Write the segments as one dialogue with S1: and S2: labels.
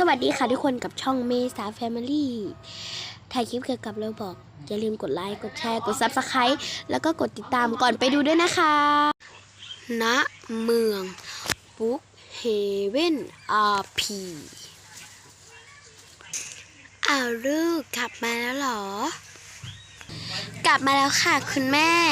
S1: วัสดีค่ะทุกคนกับช่องเมษาแฟมิลี่ถ่ายคลิปเกี่ยวกับเราบอกอย่าลืมกดไลค์กดแชร์กด Subscribe แล้วก็กดติดตามก่อนไปดูด้วยนะคะณเมืองบุ๊กเฮเว่นRPลูกกลับมาแล้วเหรอกลับมาแล้วค่ะคุณแม่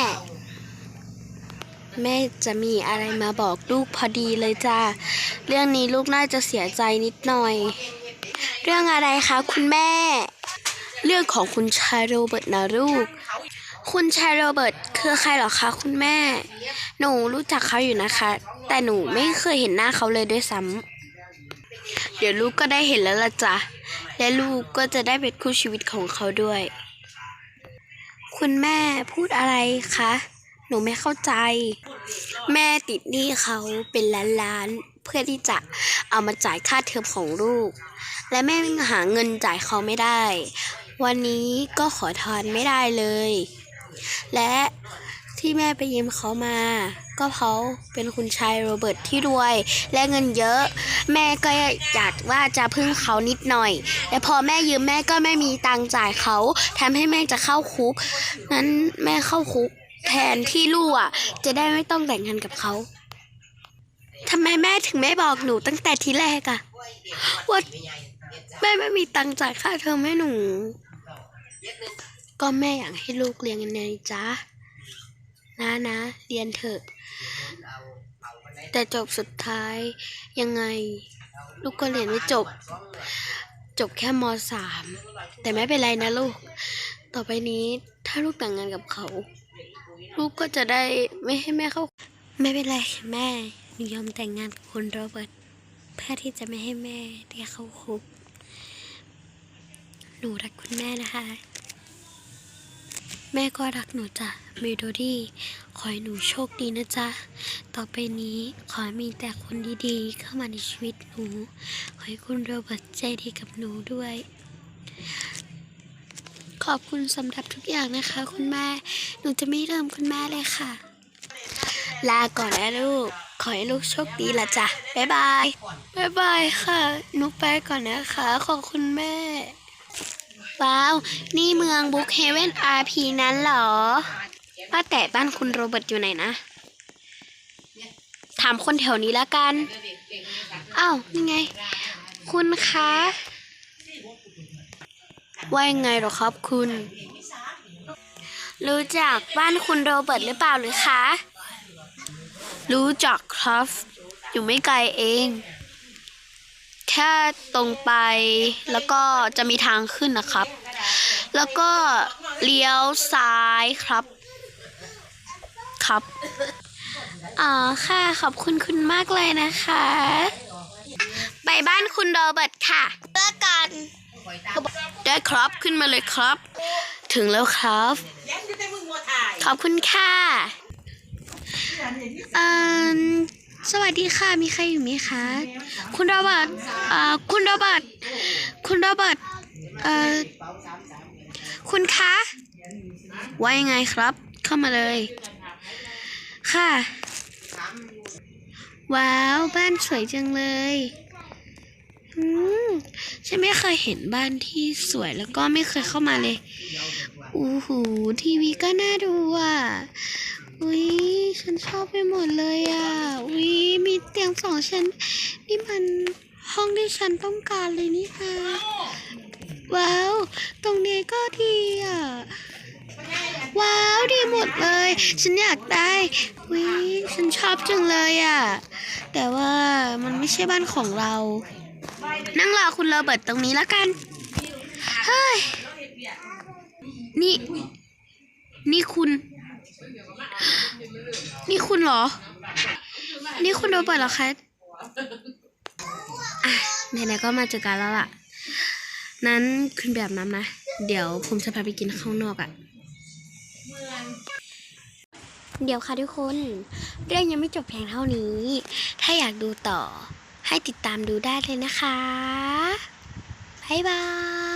S1: จะมีอะไรมาบอกลูกพอดีเลยจ้าเรื่องนี้ลูกน่าจะเสียใจนิดหน่อยเรื่องอะไรคะคุณแม่เรื่องของคุณชายโรเบิร์ตนะลูกคุณชายโรเบิร์ตคือใครหรอคะคุณแม่หนูรู้จักเขาอยู่นะคะแต่หนูไม่เคยเห็นหน้าเขาเลยด้วยซ้ำเดี๋ยวลูกก็ได้เห็นแล้วล่ะจ้ะและลูกก็จะได้เป็นคู่ชีวิตของเขาด้วยคุณแม่พูดอะไรคะหนูไม่เข้าใจแม่ติดหนี้เขาเป็นล้านๆเพื่อที่จะเอามาจ่ายค่าเทอมของลูกและแม่หาเงินจ่ายเขาไม่ได้วันนี้ก็ขอทอนไม่ได้เลยและที่แม่ไปยืมเขามาก็เพราะเป็นคุณชายโรเบิร์ตที่รวยและเงินเยอะแม่ก็อยากว่าจะพึ่งเขานิดหน่อยแต่พอแม่ยืมแม่ก็ไม่มีตังค์จ่ายเขาทำให้แม่จะเข้าคุกนั้นแม่เข้าคุกแทนที่ลูกจะได้ไม่ต้องแต่งงานกับเขาทำไมแม่ถึงไม่บอกหนูตั้งแต่ทีแรกว่าแม่ไม่มีตังค์จ่ายค่าเทอมให้หนูก็แม่อยากให้ลูกเรียนกันไงจ๊ะนะเรียนเถอะแต่จบสุดท้ายยังไงลูกก็เรียนไม่จบแค่ม.3แต่ไม่เป็นไรนะลูกต่อไปนี้ถ้าลูกแต่งงานกับเขาลูกก็จะได้ไม่ให้แม่เข้าไม่เป็นไรแม่หนูยอมแต่งงานกับคุณโรเบิร์ตเพื่อที่จะไม่ให้แม่ได้เข้าคุกหนูรักคุณแม่นะคะแม่ก็รักหนูจ้ะเมโลดี้ขอให้หนูโชคดีนะจ๊ะต่อไปนี้ขอให้มีแต่คนดีๆเข้ามาในชีวิตหนูขอให้คุณโรเบิร์ตใจดีกับหนูด้วยขอบคุณสำหรับทุกอย่างนะคะคุณแม่หนูจะไม่ลืมคุณแม่เลยค่ะลาก่อนนะลูกขอให้ลูกโชคดีละจ้ะบ๊ายบายค่ะหนูไปก่อนนะคะขอบคุณแม่ว้าวนี่เมืองบุ๊กเฮเว่นRPนั้นเหรอว่าแต่บ้านคุณโรเบิร์ตอยู่ไหนนะถามคนแถวนี้แล้วกันอ้าวนี่ไงคุณคะว่ายังไงหรอครับคุณรู้จักบ้านคุณโรเบิร์ตหรือเปล่าหรือคะรู้จักครับอยู่ไม่ไกลเองแค่ตรงไปแล้วก็จะมีทางขึ้นนะครับแล้วก็เลี้ยวซ้ายครับค่ะขอบคุณคุณมากเลยนะคะไปบ้านคุณโรเบิร์ตค่ะเลิกกันได้ครับขึ้นมาเลยครับถึงแล้วครับขอบคุณค่ะสวัสดีค่ะมีใครอยู่ไหมคะคุณโรเบิร์ตคุณคะว่ายังไงครับเข้ามาเลยค่ะว้าวบ้านสวยจังเลยฉันไม่เคยเห็นบ้านที่สวยแล้วก็ไม่เคยเข้ามาเลยทีวีก็น่าดูฉันชอบไปหมดเลยมีเตียง2 ชั้นนี่มันห้องที่ฉันต้องการเลยนี่ค่ะว้าวตรงนี้ก็ดีว้าวดีหมดเลยฉันอยากได้ฉันชอบจังเลยแต่ว่ามันไม่ใช่บ้านของเรานั่งรอคุณโรเบิร์ตตรงนี้แล้วกันเฮ้ยนี่คุณเหรอนี่คุณโรเบิร์ตเหรอคะไหนๆก็มาเจอกันแล้วล่ะนั้นคุณแบบนั้นนะเดี๋ยวผมจะพาไปกินข้างนอกเดี๋ยวค่ะทุกคนเรื่องยังไม่จบเพียงเท่านี้ถ้าอยากดูต่อให้ติดตามดูได้เลยนะคะบ๊ายบาย